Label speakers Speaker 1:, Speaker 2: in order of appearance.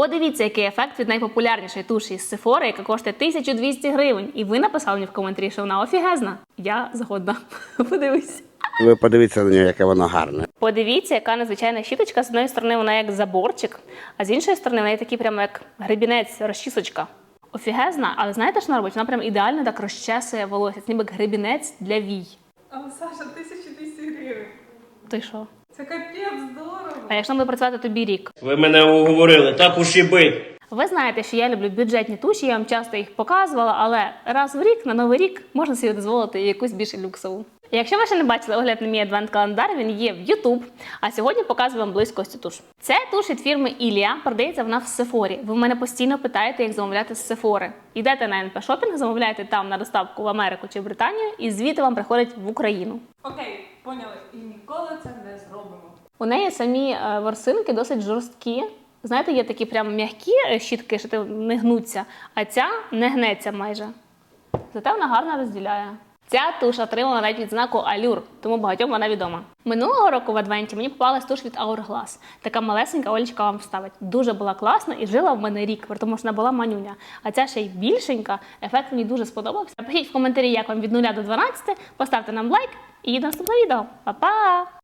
Speaker 1: Подивіться, який ефект від найпопулярнішої туші з Sephora, яка коштує 1200 гривень. І ви написали мені в коментарі, що вона офігезна. Я згодна. Подивись.
Speaker 2: Ви подивіться на нього, яке воно гарне.
Speaker 1: Подивіться, яка незвичайна щіточка. З однієї сторони вона як заборчик, а з іншої сторони вона такий прямо як гребінець, розчісочка. Офігезна, але знаєте, що вона робить? Вона прям ідеально так розчесує волосся, ніби як гребінець для вій.
Speaker 3: Але, Саша, 1200 гривень.
Speaker 1: Ти що?
Speaker 3: Це капець здорово.
Speaker 1: А якщо буде працювати тобі рік?
Speaker 4: Ви мене уговорили, так уж і бить.
Speaker 1: Ви знаєте, що я люблю бюджетні туші, я вам часто їх показувала, але раз в рік, на Новий рік, можна собі дозволити якусь більш люксову. Якщо ви ще не бачили огляд на мій адвент-календар, він є в YouTube, а сьогодні показую вам близько ось цю туш. Це туш від фірми Ілія, продається вона в Сефорі. Ви в мене постійно питаєте, як замовляти з Сефори. Йдете на НП Шопінг, замовляєте там на доставку в Америку чи Британію, і звідти вам приходить в Україну.
Speaker 3: Окей, поняли. І ніколи це не зробимо.
Speaker 1: У неї самі ворсинки досить жорсткі. Знаєте, є такі прям м'які щітки, що не гнуться, а ця не гнеться майже. Зате вона гарно розділяє. Ця туш отримала навіть відзнаку Allure, тому багатьом вона відома. Минулого року в адвенті мені попалась туш від Hourglass. Така малесенька, Олечка вам вставить. Дуже була класна і жила в мене рік, тому що вона була манюня. А ця ще й більшенька, ефект мені дуже сподобався. Напишіть в коментарі, як вам від 0 до 12, поставте нам лайк і до наступного відео. Па-па!